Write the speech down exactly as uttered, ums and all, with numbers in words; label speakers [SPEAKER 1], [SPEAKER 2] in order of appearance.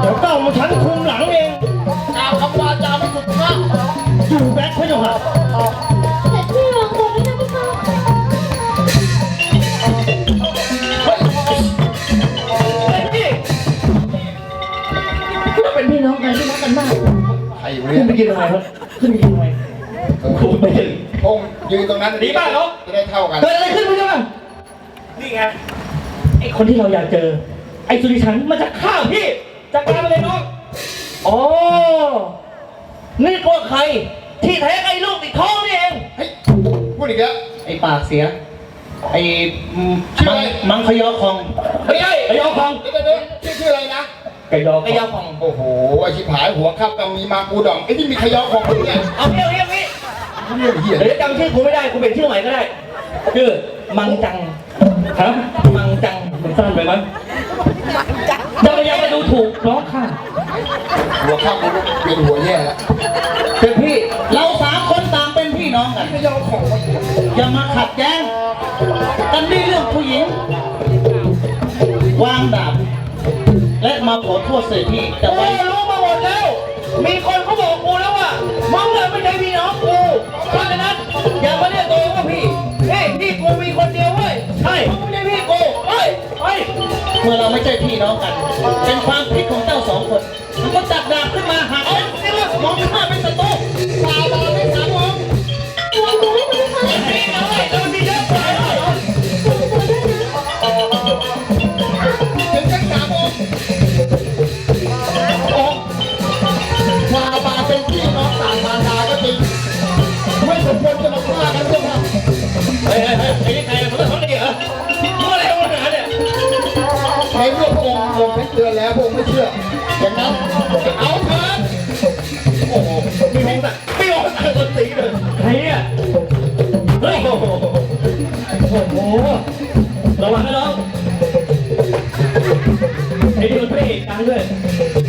[SPEAKER 1] เดี๋ยวเก้ามาฉันคุมหลังเองกล่าวคำวาจาไม่สุภาพอยู่แบ็คพะยะค่ะ
[SPEAKER 2] แต่ที่วางตัวไม่ได้พี่คะ
[SPEAKER 1] เป็นพี่น้องกันที่รักกันมากใครอยู่เนี่ย
[SPEAKER 3] ขึ้นไปกินทำไมครับขึ้นไปกินทำไมครูไม่ถึง
[SPEAKER 1] พงยืนตรงนั้นดีบ้างเนาะจะได้เท่ากัน
[SPEAKER 3] เกิดอะไรขึ้นพี่น้องนี่ไงไอคนที่เราอยากเจอไอสุริชันมาจากข้าวพี่จากการมาเลยน้องอ๋อนี่ตัวใครที่แท้ไอ้ลูกติดท้องนี่เอง
[SPEAKER 1] เฮ้ยพูดอีกแล้ว
[SPEAKER 3] ไอ้ปากเสียไอ้มังมังขยอคอง
[SPEAKER 1] ไม่ใช่
[SPEAKER 3] ขยอคอง
[SPEAKER 1] เดี๋ยวเดี๋ยวชื่อชื่ออะไรนะ
[SPEAKER 3] ขยอขยอคอง
[SPEAKER 1] โอ้โหไอชิบหายหัวครับต้องมีมาปูดองไอ้ที่มีขยอของคนเนี่ย
[SPEAKER 3] เอาเรียกเรียกพี่
[SPEAKER 1] เรียกเหี้ย
[SPEAKER 3] เดี๋ยวจำชื่อกูไม่ได้กูเป็นชื่อใหม่ก็ได้ชื่อมังจังฮะมังจังมันสั้นไปมั้ยจะพยายามมาดูถูกน้องข้า
[SPEAKER 1] หัวข้ามกูเป็นหัวแย่แล้ว
[SPEAKER 3] เป็นพี่เราสามคนต่างเป็นพี่น้องกัน
[SPEAKER 1] ขยอของวะ
[SPEAKER 3] อย่ามาขัดแย้งกันด้วยเรื่องผู้หญิงวางดาบและมาขอโทษเสียพี่แต่ว่ารู้มาหมดแล้วมีคนเขาบอกกูแล้วว่ามึงเนี่ยไม่ใช่พี่น้องกูเพราะฉะนั้นอย่ามาเรียกตัวเองว่าพี่เฮ้ยพี่กูมีคนเดียวเว้ยใช่มึงไม่ใช่พี่กูเฮ้ยเฮ้ยเมื่อเราไม่ใช่พี่น้องกันเป็นความผิดของเจ้าสองคนมันก็จับดาบขึ้นมาหาเอาสิว่ามองข้าเป็นศัตรูตายตายไม่สามมอง
[SPEAKER 2] วางตัวไม่ได้พี่คะ
[SPEAKER 3] พี่น้องไอ้ตัวมีเยอะไปเลย
[SPEAKER 1] ถึงกันสามองค์ชาบาเป็นพี่น้องต่างมารดาก็จริงไม่สมควรจะมาฆ่ากันด้วยนะ
[SPEAKER 3] เฮ้ยเฮ้ยเฮ้ยไอ้นี่ใครมันต้องทำดีเหรอมึงอะไรวะหาเนี่ย
[SPEAKER 1] ในเมื่อพระองค์ลงให้เตือนแล้วพระองค์ไม่เชื่ออย่างนั้นเอาเถิด
[SPEAKER 3] โอ้โหมีห้องแต่ไม่ห้องแต่คนตีเลยใครเนี่ยเฮ้ยโอ้โหโอ้โหระวังนะน้องไอ้นี่มันพระเอกดังด้วย